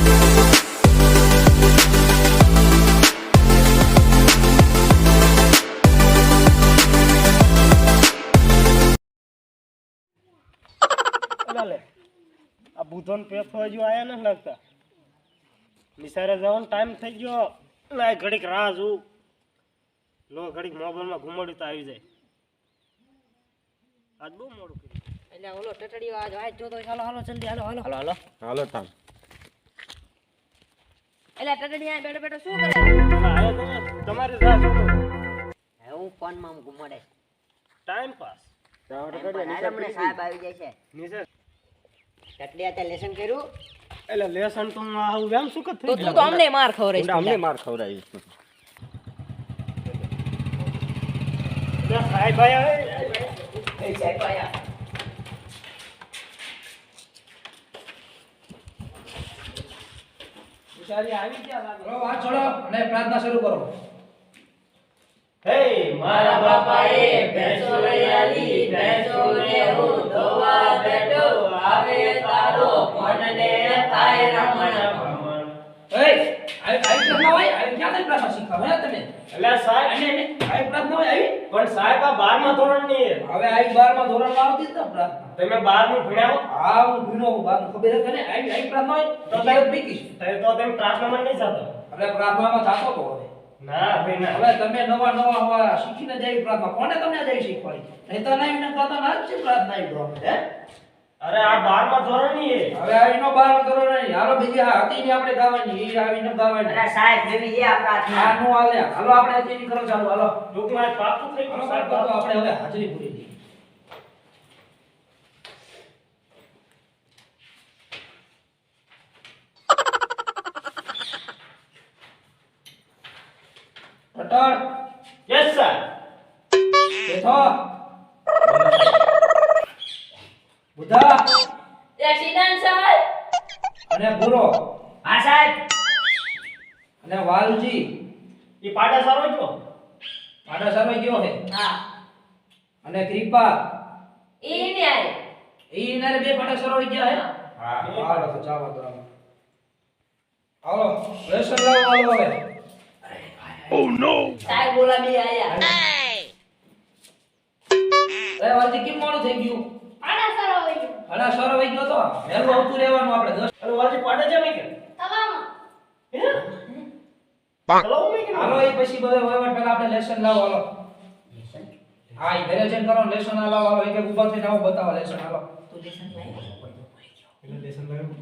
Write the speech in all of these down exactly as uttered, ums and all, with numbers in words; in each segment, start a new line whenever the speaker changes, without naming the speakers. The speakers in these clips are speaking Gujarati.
આ બુધન પેફો હજુ આયા નથી લાગતા. નિસારે જવાનો ટાઈમ થઈ ગયો. લાય ઘડીક રાહ જોઉં. લો ઘડીક મોબાઈલમાં ઘુમાડ્યું તો આવી જાય. આજ બહુ મોડું કર્યું.
એટલે ઓલો ટટડીઓ આજ આજ જો તો હાલો હાલો જલ્દી હાલો હાલો
હાલો હાલો હાલો તામ.
એટલે ટટડી આ બેઠો બેઠો શું કરે?
આયા તમે તમારી રાહ જોઉં.
હે હું ફોનમાં ઘુમાડે.
Time pass.
હમણે સાહેબ આવી જાય છે.
નિસાર
ટટડી આ લેસન કર્યું?
એટલે લેસન તો હું આવું એમ શું કે
તો તું તો અમને માર ખવરાઈશ.
અમને માર ખવરાવીશ.
સાહેબ આયા.
એ સાહેબ આયા.
બિચારી આવી ગયા લાગે.
ચલો વાત છોડો અને પ્રાર્થના શરૂ કરો.
હે મારા બાપાએ ભેંસો લઈ આલી, ભેંસોને હું ધોવા બેઠો, આવે તારો મનને થાય રમણ ભમણ.
એ આવી પ્રાર્થના હોય આવી ક્યાં પ્રાર્થના શીખવા હે તમે?
એટલે સાહેબ
અને આવી પ્રાર્થના હોય આવી
પણ સાહેબ આ બારમા ધોરણની છે.
હવે આવી બારમા ધોરણમાં આવતી જ ને પ્રાર્થના.
તમે બારમું ભણ્યા હો?
હા હું ભીનો હું બાર ખબર છે ને આવી આવી પ્રાર્થના હોય તો સાહેબ પીકીશ.
તો તો તમે પ્રાર્થનામાં નહીં જતા.
એટલે પ્રાર્થનામાં થાતો તો હવે
ના ભાઈ ના.
હવે તમે નવા નવા હવા શીખીને જાય પ્રાર્થના કોને તમને જાય શીખવાડી? નહીં તો નહીં ને કહેતા ના જ છે પ્રાર્થના આવી દો હે.
અરે આ બારમા ધોરણની છે.
હવે આવીનો બારમા ધોરણ નહીં હાલો બીજી હા હતી ને આપણે ગાવાની એ આવીને ગાવાની.
અરે સાહેબ જેવી એ આ પ્રાર્થના.
આ નો હાલે હાલો આપણે અત્યારની કરો ચાલુ હાલો.
ટૂંકમાં પાકું થઈ ગયું
સાહેબ
સાહેબ.
તો આપણે હવે હાજરી પૂરી દઈએ. પટલ
યસ સર.
બેઠો બુધા
એક્સિડન્ટ સાહેબ.
અને ગુરો
હા સાહેબ.
અને વાલજી
ઈ પાડા સારો છો.
આડા સારો ગયો હે.
હા.
અને કૃપા
ઈ ને આય.
ઈ નારે બે પાડા સારો ગયા હે.
હા.
હાલો તો ચાલો તો હાલો લેસન લાવો હાલો હવે.
સાહેબ બોલાવી આયા.
એ વાલજી કેમ મોડું થઈ ગયું?
આના સારો હોય છે.
આડા સારો વઈ ગયો તો વહેલું આવતું રહેવાનું આપણે દસ.
અરે વાજી પાડા છે કે?
તમામ.
હે? ચલો મેં કે.
હાલો એ પછી બધે વહીવટ પહેલા આપણે લેસન લાવો હાલો. હા ઈ ઘરે જઈને કરો લેસન લાવો હાલો એક એક ઊભા થઈને આવો બતાવો લેસન હાલો.
તું લેસન લાય.
એટલે લેસન લાવ્યો.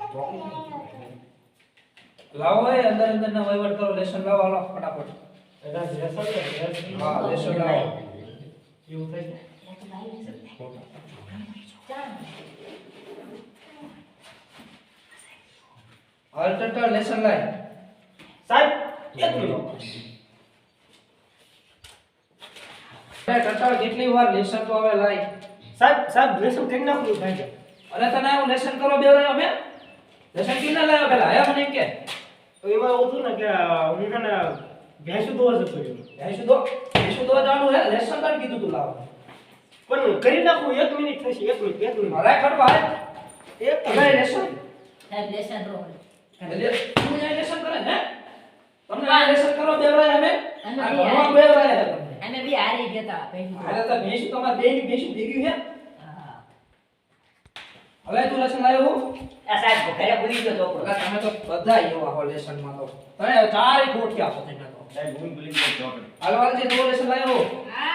લાવો એ અંદર અંદર ના વહીવટ કરો લેસન લાવો હાલો ફટાફટ.
એના લેસન લેસન.
હા લેસન લાવો.
એવું થાય છે.
હાલ ટટર લેસન લાય.
સાહેબ એક મિનિટ.
અરે ટટર કેટલી વાર લેસન તો હવે લાય.
સાહેબ સાહેબ લેસન કરી નાખું ભાઈ છે.
અરે તને હું લેસન કરો બે રહ્યો મે લેસન કિને લાયો પેલા આયા મને કે
તો એમાં એવું હતું ને કે હું છે ને ભેંસું દોવા જતો રહ્યો.
એ શુદ્ધો એ શુદ્ધો જાણું હે લેસન કર કીધું તું લાવ.
પણ કરી નાખું એક મિનિટ થશે એક મિનિટ એક મિનિટ.
મારા ખડ ભાઈ
એક
તમે લેસન
સાહેબ લેસન રો.
એટલે તું આ લેસન કરે હે તમને આ લેસન કરો બે રહ્યો અમે
અમે
આ
બી
ભણવા
હારી.
બે રહ્યો તમને
અમે બી હારી ગયા હતા.
અરે તો ભેંસું તમાર બે ની ભેંસું ભેગી હે.
હા.
હવે તું લેસન લાયો હું
આ સાહેબ ઘરે ભૂલી ગયો છોકરો.
એટલે તમે તો બધા એવા હો લેસન માં તો તમે ચારે ખોટ્યા છો તમે તો
સાહેબ હું ભૂલી ગયો ચોકડી.
હાલ વાલજી તું લેસન લાયો
હા.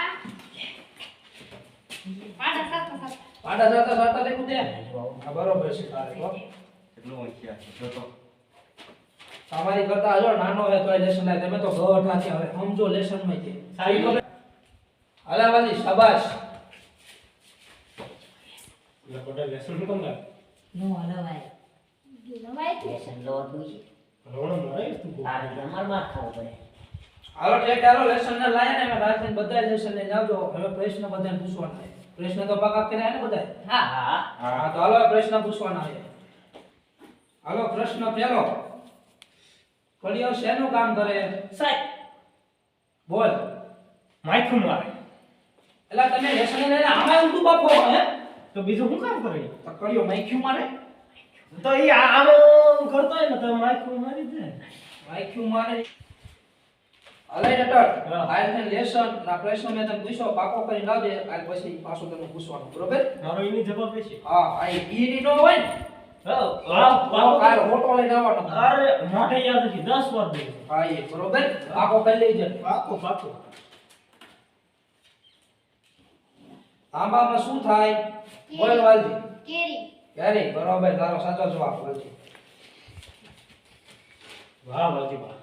પાડા સાત સાત.
પાડા જાતા જાતા લેખું દે આ બરોબર છે તારે તો
કેટલો હોશિયાર છે જો તો.
તમારી કરતા હજો નાનો હે તોય લેસન લાય તમે તો ગવઠા છે હવે સમજો લેસન માં છે સારી ખબર હાલા વાલી શાબાશ
એટલે કોટા લેસન નું કોણ લાગે?
નો હલવાય. લેસન લો દુઈ.
રોણો મરાય તું.
આ અમાર માં ખાવ પડે.
હાલો ટેક હાલો લેસન ને લાયા ને મે રાતને બધા લેસન લઈને આવજો હવે પ્રશ્ન બધાને પૂછવાના છે પ્રશ્ન તો પાકા કર્યા ને બધા
હા હા.
હા તો હાલો પ્રશ્ન પૂછવાના છે હાલો પ્રશ્ન પહેલો કડિયો શેનું કામ કરે
સાહેબ
બોલ
માઈકું મારે.
એટલે તમે લેસન લઈને આમાં ઊંધું બાપો હે
તો બીજું શું કામ કરે?
તો કડિયો માઈક્યું મારે
તો ઈ આ આમ હું કરતો હોય ને તો માખું મારી દે
આઈક્યુ મારે અલે ડટર
હા.
આઈ થે લેસન ના પ્રશ્ન મેં તને પૂછ્યો પાકો કરી લાવજે કાલ પછી પાછું તને પૂછવાનું બરોબર
મારો એની જવાબ છે
હા આ ઈ ની નો હોય ને
હા
પાકો કાલ ફોટો લઈને આવવાનો
અરે મોઢે યાદ નથી દસ વાર દે
હા એ બરોબર પાકો કરી લેજે
પાકો પાકો
આંબામાં શું થાય બોલ વાલજી
કેરી
કેરી બરોબર તારો સાચો જવાબ વાલજી
વાહ વાજી વાહ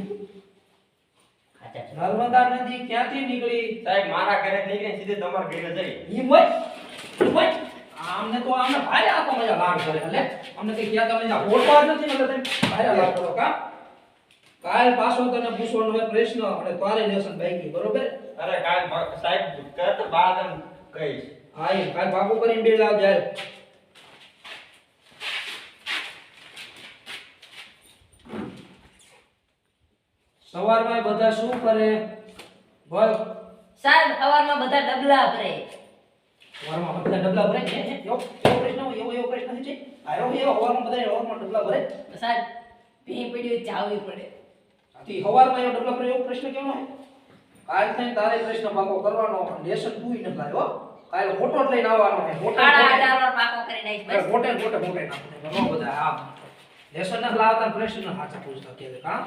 ખાચા છે.
નર્મદા નદી ક્યાંથી નીકળી
સાહેબ મારા ઘરે નીકળીને સીધે તમારા ઘરે જઈ
ઈ મોય ઈ મોય આમને તો આમને ભારે આ તો મજા લાડ કરે એટલે અમને કઈ ક્યાં તમે ના હોટવા જ નથી એટલે તમે ભારે લાડ કરો કા કાલ પાછો તને પૂછવાનો હોય પ્રશ્ન અને તારે લેસન બાકી બરોબર
અરે કાલ ભા- સાહેબ કરત બાદ એમ કહીશ
હા એ કાલ પાકું કરીને બે લાવ જાય સવારમાં બધા શું કરે બોલ
સાહેબ સવારમાં બધા ડબલા ભરે
સવારમાં બધા ડબલા ભરે છે એવો એવો પ્રશ્ન હોય એવો એવો પ્રશ્ન છે આયો એવો સવારમાં બધા સવારમાં ડબલા ભરે
સાહેબ ભી પડ્યું ચાવવી પડે
આથી સવારમાં એવો ડબલા ભરે એવો પ્રશ્ન કેમ હોય કાલ થઈને તારે પ્રશ્ન પાકો કરવાનો લેસન તું ન લાવ્યો કાલ ફોટો જ લઈને આવવાનો છે ફોટો
સાડા અઢાર વાર પાકો કરીને આવીશ બસ.
ફોટે ફોટે ફોટે નાખો બધા આ લેસન ના લાવતા પ્રશ્ન સાચા પૂછતા કે કા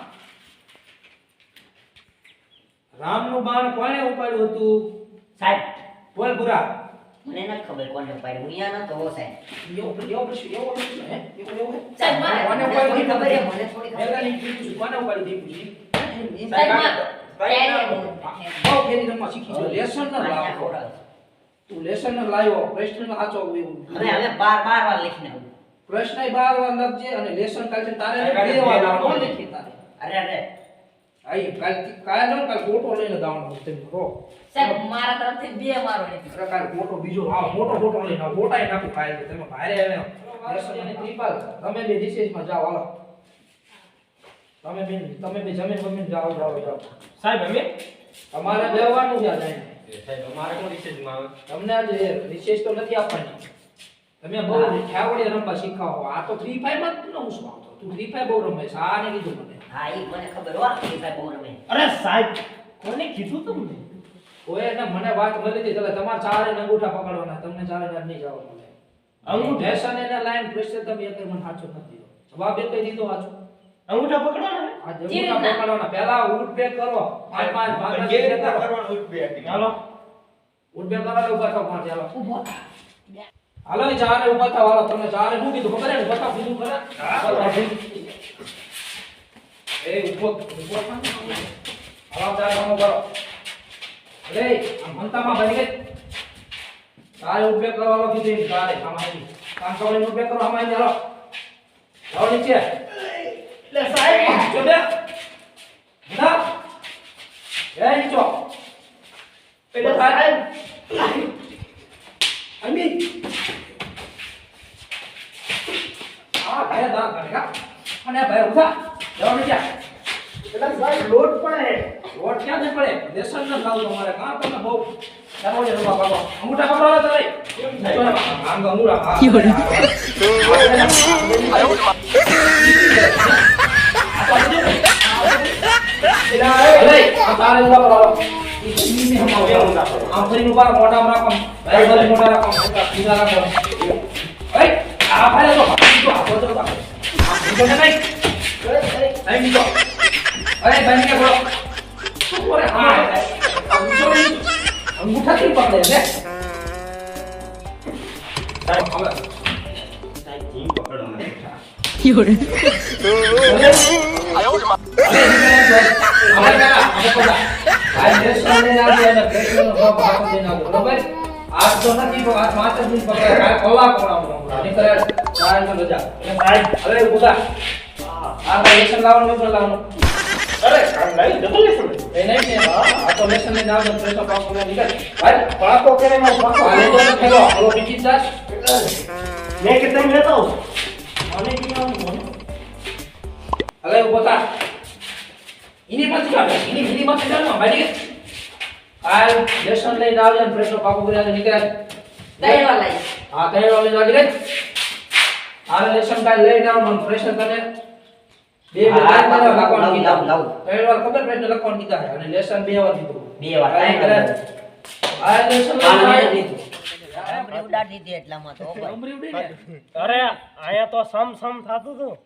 રામનું બાણ કોણે ઉપાડ્યું હતું
સાહેબ
બોલ પૂરા
મને નથી ખબર કોને ઉપાડ્યું હું અહીંયા નતો સાહેબ
એવો એવો પ્રશ્ન એવો પ્રશ્ન હે એવો એવો હે?
સાહેબ મારે
કોને
મને થોડી
ઉપાડ્યું?
ખબર છે મને થોડી ખબર
પહેલા ની પૂછ્યું કોને ઉપાડ્યું તે પૂછ્યું
સાહેબ માં
સાહેબ,
કેરી
બહુ કેરી રમવા શીખી છે લેસન ના લાવો તું લેસન ના લાવ્યો પ્રશ્ન ના સાચો
હવે હવે બાર બાર વાર લખીને આવું
પ્રશ્ન બાર વાર લખજે અને લેસન કાલ છે તારે
કાલ
બે વાર
બે વાર
કોણ લખી તારે
અરે અરે
આઈ કાલ કાલ નો કાલ ફોટો લઈને દાવાનો તમે રો
સાહેબ મારા તરફથી બે મારો નથી
અરે કાલ ફોટો બીજો હા મોટો ફોટો લઈને આવો ફોટા નાખું કાલ તમે ભારે આવે લેસન અને ત્રિપાલ તમે બે રિસેસ માં જાઓ હાલો તમે બે તમે બે જમીન બમીન જાઓ જાઓ જાઓ
સાહેબ અમે
તમારે બેવાનું છે આજે
સાહેબ અમારે કોણ રિસેસમાં આવે
તમને આજે રિસેસ તો નથી આપવાની તમે બહુ ઠાવડી રમવા શીખાવો આ તો ફ્રી ફાયર માં ન હું શું આવતો તું ફ્રી ફાયર બહુ રમે છે આ ને કીધું મને
હા ઈ મને ખબર હો કે સાહેબ બહુ રમે
અરે સાહેબ કોને કીધું તમને
ઓય ને મને વાત મળી હતી એટલે તમારે ચારે ને અંગૂઠા પકડવાના તમને ચારે ને નહીં જવા મળે
અંગૂઠા?
લેસન એને લાઈન પ્રેશર તમે એક મને સાચો નથી દીધો જવાબ એક દીધો સાચો
અંગૂઠા પકડવાના હે?
આ
જે
અંગૂઠા
રીતના?
પકડવાના પહેલા ઉઠ બેક કરો પાંચ પાંચ
પણ
પાંચ
કેવી
બેક
રીતના
કરો
કરવાનું ઉઠ બે હતી
હાલો
ઉઠ બેક કરો એટલે ઊભા થાવ પાંચ હાલો
ઊભો
હાલો એ ચારે ઊભા થાવ હાલો તમે ચારે શું કીધું ખબર હે ને બતાવ કીધું ખરા એ ઉભો ઉભો થાવ હાલો ચારે કામ કરો અરે આ મનતામાં બની ગઈ ચારે ઉઠ બેક કરો હાલો કીધું ચારે આમાં આવી કામ કરો ઉઠ બેક કરો આમાં આવી હાલો આવો નીચે
લે સાહેબ
જો બે ના એ નીચો
એટલે સાહેબ
અમી આ ભાઈ દા કરેગા અને ભાઈ ઉઠા જાઓ નીચે
એટલે સાહેબ લોટ પણ હે
રોડ ક્યાં થી પડે લેસન ન લાવ તમારે કાં તમે બહુ ચાલો જે રમવા પાડો અંગૂઠા પકડો તમે નીચો ને આમ અંગૂઠા હા અરે આ તારે ઉભા કરો આમ ફરી ઉભા મોઢા રાખો ભાઈ ભાઈ મોઢા રાખો સીધા રાખો એ આ ભાઈ તો તો આ તો આ તો નહીં નહીં નીચો અરે ભાઈ કે બોલો શું કરે હા અંગૂઠા થી પકડે છે
સાહેબ હવે સાહેબ જીમ પકડવાનું
આજ તો નથી તો આજ માત્ર જ પકડે કાલ કલાક પકડાવવાનો નીકળે ચાર નો રજા
સાહેબ
હવે ઉભા આ લેસન લાવવાનું નથી લાવવાનું
અરે કામ લઈ ડબલ લેસન
એ નહીં ને આ તો લેસન ને નામ પ્રેશર પાસ કરવા નીકળ ભાઈ
પાકો કરે માં પાકો
આ લેતો ને ખેલો ઓલો બીજી દાસ
મેં કે તમે લેતા આવો મને કી આવું
હવે ઉભો થા ઇની મત કાઢ ઇની ઇની મત કાઢ ભાઈ કાલ લેસન લઈને આવજો ને પ્રેશર પાકો કરીને નીકળ્યા
દહીં વાલા
હા તૈયાર વાળી ગાડી લે આ લેશન કાલ લઈને આવ મને પ્રશ્ન તને બે બે
હા,
વાર
લાવ,
લખવાનું
લાવ,
કીધા
લાવ.
ત્રણ વાર ખબર પ્રશ્ન લખવાનું કીધા છે અને લેશન બે વાર કીધું
બે વાર ટાઈમ
આ
કર્યો.
લેશન
આને લીધું. ડમરી ઉડાડી દીધી એટલામાં તો
નંબર ઉડી ને
અરે આયા તો સમ સમ થાતું હતું